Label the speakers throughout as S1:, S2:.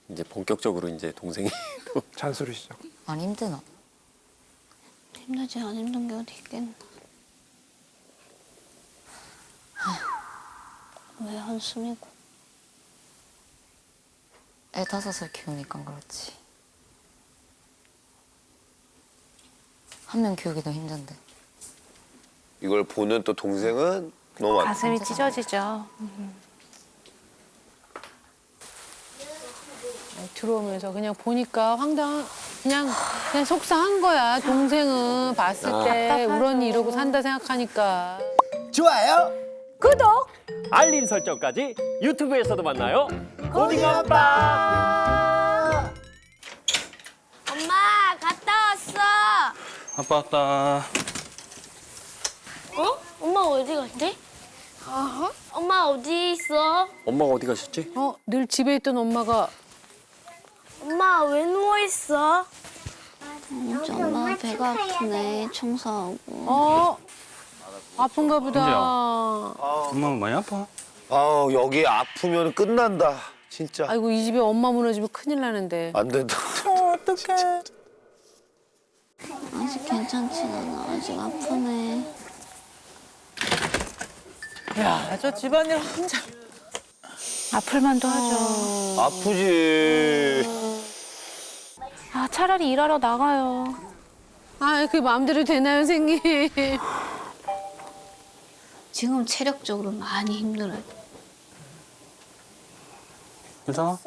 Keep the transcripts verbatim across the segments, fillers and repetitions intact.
S1: 이제 본격적으로 이제 동생이 또
S2: 잔소리 시작.
S3: 안 힘드나?
S4: 힘들지 안 힘든 게 어디 있겠나. 왜 한숨이고.
S3: 애 다섯을 키우니까 그렇지. 한 명 키우기도 힘든데.
S5: 이걸 보는 또 동생은 너무 안
S4: 가슴이 찢어지죠.
S6: 들어오면서 그냥 보니까 황당, 그냥 그냥 속상한 거야. 동생은 봤을 때 우리 언니 이러고 산다 생각하니까.
S7: 좋아요.
S6: 구독.
S8: 알림 설정까지 유튜브에서도 만나요.
S7: 고딩아빠.
S4: 엄마 갔다 왔어.
S9: 아빠 왔다.
S4: 어? 엄마 어디 갔지? 엄마 어디 있어?
S1: 엄마가 어디 가셨지?
S6: 어, 늘 집에 있던 엄마가
S4: 엄마 왜 누워 있어? 엄마 배가 아프네. 청소하고.
S6: 어 아픈가 보다.
S9: 엄마 많이 아파?
S5: 아우 여기 아프면 끝난다 진짜.
S6: 아이고 이 집에 엄마 무너지면 큰일 나는데.
S5: 안 된다.
S2: 어떡해.
S4: 아직 괜찮진 않아. 아직 아프네.
S2: 야, 저 집안일 혼자.
S4: 아플만도 하죠.
S5: 아프지.
S4: 아 차라리 일하러 나가요.
S6: 아 그게 마음대로 되나요, 선생님?
S4: 지금 체력적으로 많이 힘들어요.
S9: 괜찮아?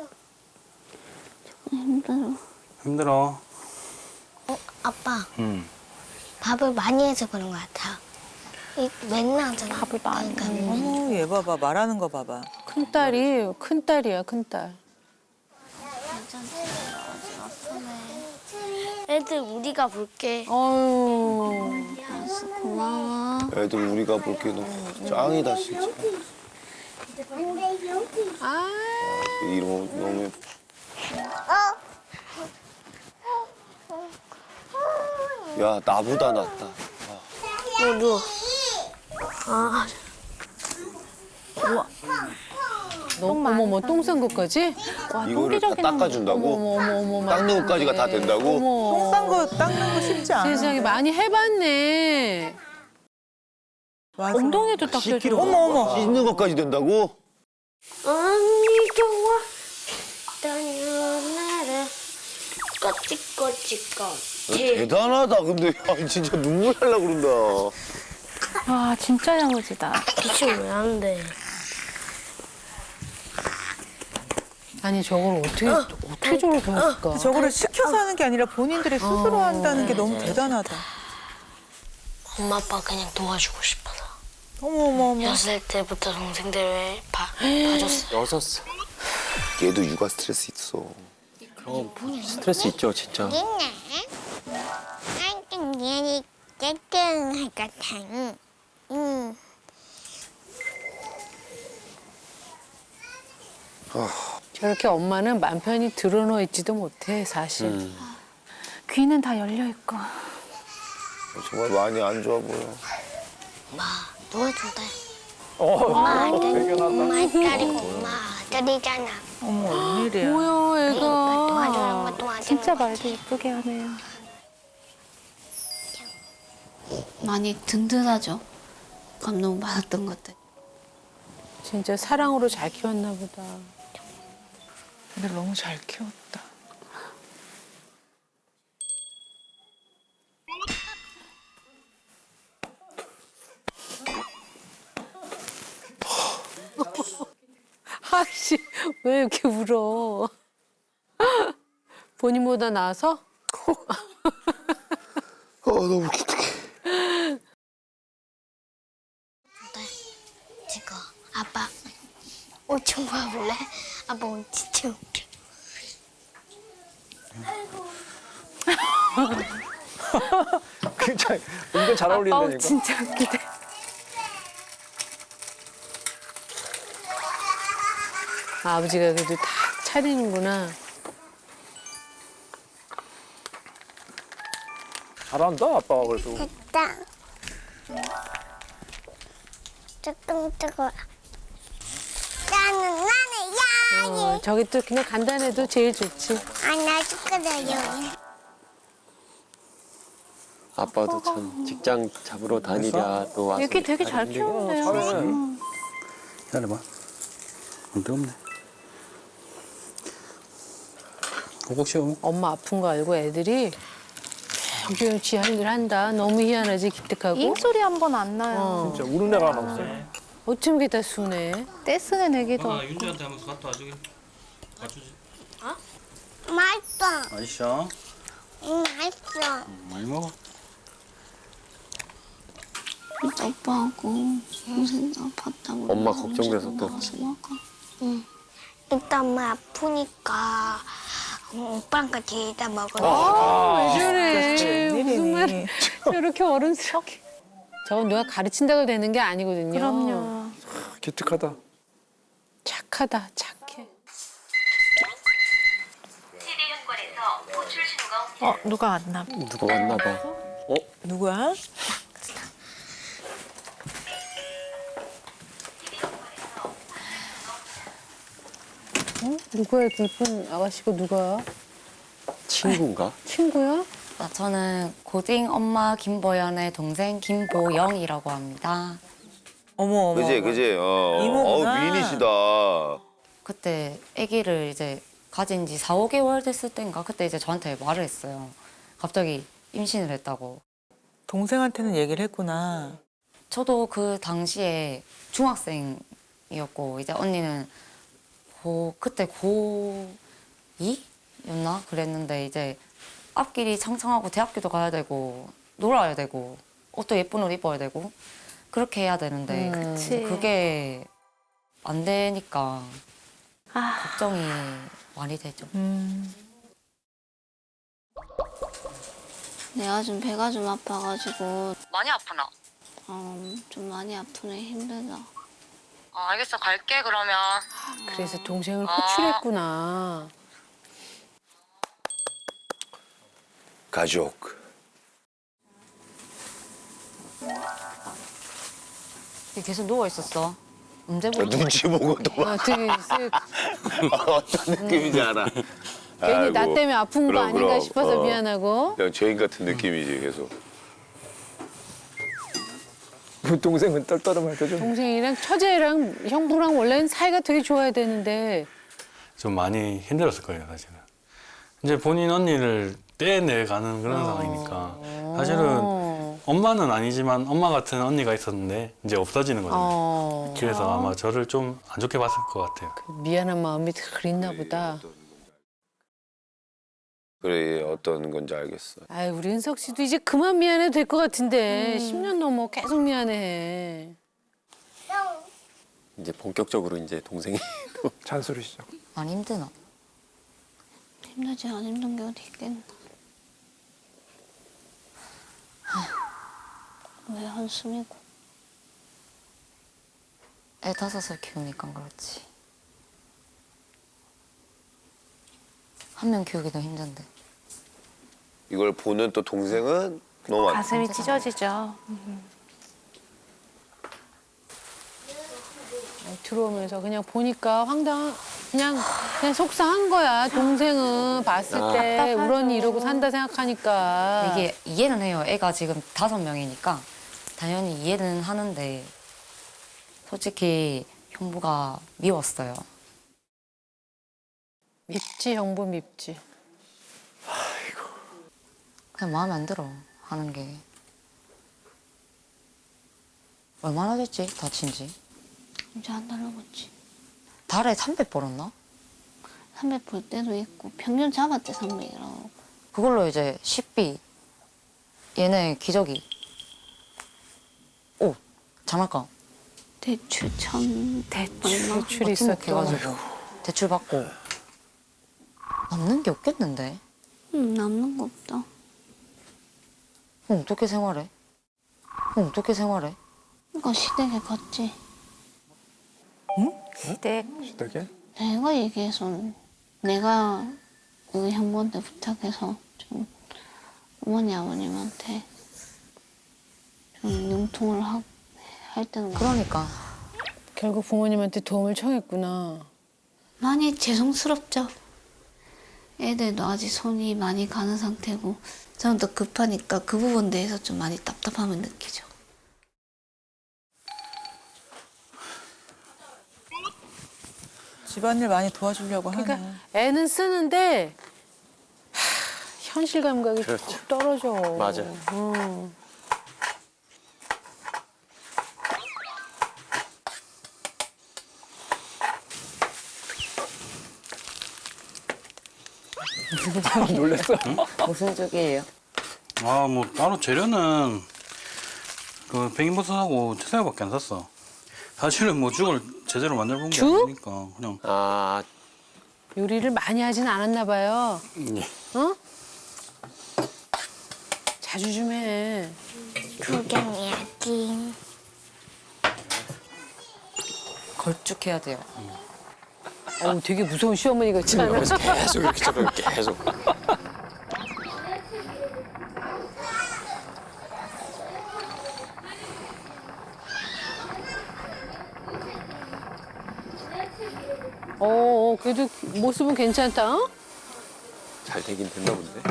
S4: 힘들어.
S9: 힘들어.
S10: 아빠,
S9: 응.
S10: 밥을 많이 해서 그런 것 같아. 이 맨날 하잖아.
S4: 밥을 많이
S10: 그러니까
S2: 어머, 얘 봐봐. 말하는 거 봐봐.
S6: 큰 딸이 큰 딸이야, 큰 딸.
S10: 애들 우리가 볼게.
S6: 어유.
S4: 알았어, 고마워.
S5: 애들 우리가 볼게 너무 짱이다 진짜.
S6: 아.
S5: 이런 거 너무 예뻐. 야 나보다 낫다.
S10: 너 누워. 아,
S6: 너 어머머 똥 싼 것까지?
S4: 와,
S5: 이거를 다
S4: 똥기적인
S5: 닦아준다고?
S6: 어머 어머 어머.
S5: 닦는 것까지가 다 된다고?
S6: 어머.
S2: 똥 싼 거 닦는 거 쉽지 않아.
S6: 세상에 많이 해봤네.
S2: 맞아.
S6: 엉덩이도 닦여줘.
S2: 어머, 어머.
S5: 씻는 것까지 된다고?
S10: 언니 좋아. 떠나라. 꼬치꼬치꼬치.
S5: 대단하다. 근데 야, 진짜 눈물 날라 그런다.
S4: 와, 진짜 야무지다.
S10: 기침 왜안 돼?
S6: 아니 저걸 어떻게 어떻게 저걸 배웠을까?
S2: 저거를 시켜서 하는 게 아니라 본인들이 스스로 한다는 게 너무 대단하다.
S10: 엄마 아빠 그냥 도와주고 싶어서.
S2: 어머, 어머, 어머.
S10: 여섯 때부터 동생들 봐, 봐줬어.
S1: 여섯 살.
S5: 얘도 육아 스트레스 있어.
S1: 그럼 스트레스 있죠, 진짜.
S10: 얘는 땡땡할 것 같아. 응.
S6: 저렇게 엄마는 맘 편히 드러누워 있지도 못해 사실.
S1: 음.
S4: 귀는 다 열려 있고.
S5: 정말 많이 안 좋아 보여.
S10: 엄마 도와준다. 엄마 아들, 엄마 딸이고 엄마 아들이잖아.
S2: 어머, 웬일이야.
S6: 뭐야
S10: 그러니까
S6: 애가.
S10: 도와주는 거 도와주는
S4: 진짜
S10: 거.
S4: 말도 예쁘게 하네요. 많이 든든하죠. 감동받았던 것들.
S6: 진짜 사랑으로 잘 키웠나 보다.
S2: 근데 너무 잘 키웠다.
S6: 아씨 왜 이렇게 울어? 본인보다 나아서?
S5: 아 너무 기특해.
S10: 지금 아빠 옷 좀 봐볼래? 아빠 옷 진짜 웃겨.
S1: 굉장히 은근 잘
S6: 아우
S1: 어울린다니까.
S6: 진짜 웃기다. 아, 아버지가 그래도 다 차리는구나.
S1: 잘한다, 아빠가 그래도.
S10: 됐다. 조금 뜨거워. 나는 나는 야.
S6: 어, 저기 또 그냥 간단해도 제일 좋지.
S10: 아나 축하드려요.
S1: 아빠도 참 직장 잡으러 다니랴 또 와서
S2: 이렇게 되게 잘
S1: 다니는데.
S2: 키우네요.
S1: 어, 잘해.
S9: 기다려봐. 안 뜨겁네. 꼭꼭 씌워.
S6: 엄마 아픈 거 알고 애들이 조용 지 할 일 한다. 너무 희한하지 기특하고.
S2: 잉 소리 한 번 안 나요.
S6: 어.
S1: 진짜 우는 애가 하나 없어.
S6: 어쩜 이렇게 다 순해.
S2: 떼쓰는 애기도.
S9: 엄마 윤주한테 한번 갖다 와주게. 가주지.
S10: 맛있어.
S9: 맛있어?
S10: 응, 맛있어.
S9: 많이 먹어.
S10: 오빠하고 동생도 아팠다고.
S1: 엄마 걱정돼서 또.
S10: 응. 일단 엄마 아프니까 오빠랑 같이 이따 먹어요.
S6: 왜 저래. 무슨
S2: 웬일이니.
S6: 말 저렇게 어른스럽게. 저건 누가 가르친다고 되는 게 아니거든요.
S2: 그럼요.
S1: 기특하다.
S6: 착하다 착해.
S2: 어 누가 왔나? 봐.
S1: 누가 왔나 봐. 어?
S2: 누구야?
S6: 어? 누구야 이렇게 예쁜 아가씨가 누가?
S1: 친구인가?
S6: 친구야?
S3: 아, 저는 고딩 엄마 김보연의 동생 김보영이라고 합니다.
S2: 어머 어머.
S5: 그지 그지. 어.
S2: 이모구나.
S5: 어우 미인이시다.
S3: 그때 아기를 이제 가진 지 사, 오 개월 됐을 때인가 그때 이제 저한테 말을 했어요. 갑자기 임신을 했다고.
S2: 동생한테는 얘기를 했구나.
S3: 저도 그 당시에 중학생이었고 이제 언니는 고 그때 고이였나 그랬는데 이제 앞길이 창창하고 대학교도 가야 되고 놀아야 되고 옷도 예쁜 옷 입어야 되고 그렇게 해야 되는데
S6: 음.
S2: 그치.
S3: 그게 안 되니까
S2: 아.
S3: 걱정이 많이 되죠.
S2: 음.
S7: 내가 좀 배가 좀 아파가지고
S3: 많이 아프나?
S7: 어, 좀 많이 아프네. 힘들다.
S3: 아, 알겠어 갈게 그러면.
S6: 그래서 동생을 호출했구나.
S5: 가족.
S3: 계속 누워 있었어. 언제
S5: 어,
S3: 보고?
S5: 눈치 보고 또
S6: 아, 되게 쓱
S5: 어떤 느낌인지 알아.
S6: 괜히 나
S5: 아이고.
S6: 때문에 아픈 거
S5: 그럼,
S6: 아닌가
S5: 그럼.
S6: 싶어서
S5: 어.
S6: 미안하고.
S5: 그냥 죄인 같은 느낌이지 계속.
S1: 그 동생은 떨떠름할 때 좀.
S6: 동생이랑 처제랑 형부랑 원래는 사이가 되게 좋아야 되는데
S9: 좀 많이 힘들었을 거예요, 사실은. 이제 본인 언니를 떼내가는 그런 상황이니까. 사실은
S6: 어.
S9: 엄마는 아니지만 엄마 같은 언니가 있었는데 이제 없어지는 거잖아요.
S6: 어.
S9: 그래서 아마 저를 좀 안 좋게 봤을 것 같아요.
S6: 미안한 마음이 그랬나 보다.
S5: 그래 어떤 건지 알겠어.
S6: 아이 우리 은석 씨도 이제 그만 미안해도 될 것 같은데 십 년 넘어 계속 미안해.
S1: 이제 본격적으로 이제 동생이 또 잔소리 시작.
S3: 많이 힘드나?
S7: 힘들지 안 힘든 게 어디 있겠나. 왜 한숨이고.
S3: 애 다섯을 키우니까 그렇지. 한 명 키우기도 힘든데.
S5: 이걸 보는 또 동생은 너무 안
S2: 가슴이 찢어지죠.
S6: 들어오면서 그냥 보니까 황당 그냥 그냥 속상한 거야. 동생은 봤을
S1: 아.
S6: 때
S2: 답답하죠.
S6: 우런이 이러고 산다 생각하니까.
S3: 이게 이해는 해요. 애가 지금 다섯 명이니까 당연히 이해는 하는데 솔직히 형부가 미웠어요.
S6: 밉지 형부 밉지.
S3: 그냥 마음에 안 들어 하는 게. 얼마나 됐지 다친 지?
S7: 이제 한 달 넘었지.
S3: 달에 삼백 벌었나?
S7: 삼백 벌 때도 있고 평균 잡았대 삼백이라고.
S3: 그걸로 이제 식비 얘네 기저귀 옷 장난감
S7: 대출 천
S2: 대출.
S7: 얼마?
S6: 대출이
S3: 같은 거
S6: 있었죠.
S3: 해가지고 대출 받고 남는 게 없겠는데?
S7: 응, 남는 거 없다.
S3: 그럼 어떻게 생활해? 그럼 어떻게 생활해?
S7: 그러니까 시댁에 갔지.
S2: 시댁.
S1: 시댁에?
S7: 내가 얘기해서 내가 그 형부한테 부탁해서 좀 어머니 아버님한테 좀 융통을 하, 할 때는
S3: 그러니까
S6: 결국 부모님한테 도움을 청했구나.
S7: 많이 죄송스럽죠. 애들도 아직 손이 많이 가는 상태고 저는 더 급하니까 그 부분에 대해서 좀 많이 답답함을 느끼죠.
S2: 집안일 많이 도와주려고 하네.
S6: 그러니까 애는 쓰는데 하, 현실 감각이
S1: 그렇죠.
S6: 쭉 떨어져.
S1: 맞아.
S6: 음.
S1: 놀랐어.
S3: 무슨 쪽이에요?
S9: 아, 뭐 따로 재료는 그 백인버섯하고 채소밖에 안 샀어. 사실은 뭐 죽을 제대로 만들어 본 게
S6: 죽?
S9: 아니니까 그냥.
S1: 아,
S6: 요리를 많이 하진 않았나 봐요.
S1: 예.
S6: 어? 자주 좀 해.
S10: 구경해야지.
S3: 걸쭉해야 돼요.
S6: 어, 되게 무서운 시어머니 같지 않아?
S1: 그래서 계속 이렇게 저렇게 계속.
S6: 어, 어, 그래도 모습은 괜찮다. 어?
S1: 잘 되긴 됐나 본데.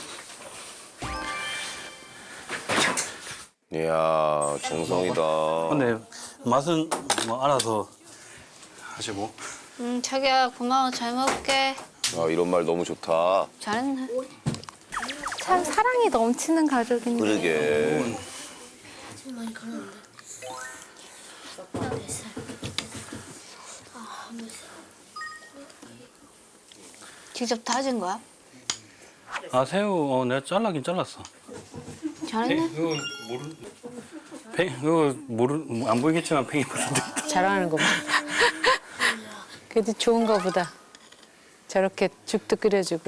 S5: 이야, 정성이다.
S9: 근데 맛은 뭐 알아서 하시고.
S7: 응, 자기야 고마워. 잘 먹을게.
S5: 아, 이런 말 너무 좋다.
S7: 잘했네.
S10: 참 사랑이 넘치는 가족인데.
S5: 그러게.
S7: 직접 다진 거야?
S9: 아, 새우 어, 내가 잘라긴 잘랐어.
S7: 잘했네.
S9: 그거 모르. 팽 그거 모르 뭐안 보이겠지만 팽이버섯.
S6: 잘하는 거 봐. 그래도 좋은가 보다. 저렇게 죽도 끓여주고.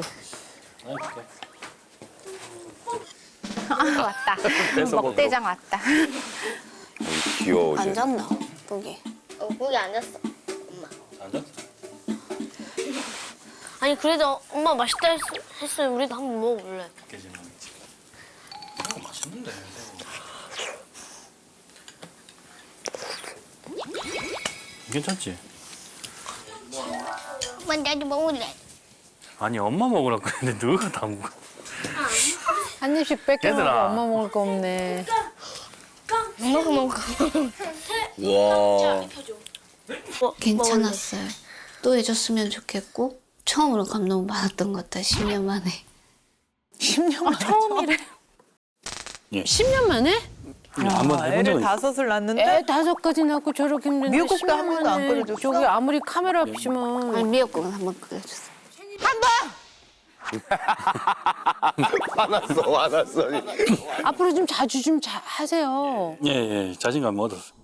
S10: 아, 왔다. 먹대장 왔다.
S5: 귀여워, 이제.
S7: 앉았나? 거기.
S4: 어, 거기 앉았어.
S9: 앉았어.
S4: 아니 그래도 엄마 맛있다 했, 했으면 우리도 한번 먹어볼래.
S9: 새우 맛있는데. 괜찮지?
S10: 엄마 나도 먹을래.
S9: 아니 엄마 먹으라고 했는데 너가 다 먹어.
S6: 한 입씩 뺏겨 먹고
S9: 얘들아.
S6: 엄마 먹을 거 없네.
S4: 먹어 먹어.
S5: 와.
S7: 괜찮았어요. 또 해줬으면 좋겠고 처음으로 감동 받았던 것 같아. 십 년 만에.
S2: 십 년 만에
S6: 처음이래.
S9: 예.
S6: 십 년 만에?
S9: 한번 해본
S2: 애를
S9: 적은 있어.
S2: 다섯을 낳는데
S6: 애 다섯까지 낳고 저렇게 힘든데
S2: 미역국도
S6: 십 년
S2: 한 번도 안
S6: 만에
S2: 끓여줬어?
S6: 저기 아무리 카메라 없이면
S7: 아니 미역국은 한번 끓여줬어.
S5: 화났어, 화났어.
S6: 앞으로 좀 자주 좀 자, 하세요.
S9: 예, 예, 자신감 얻었어.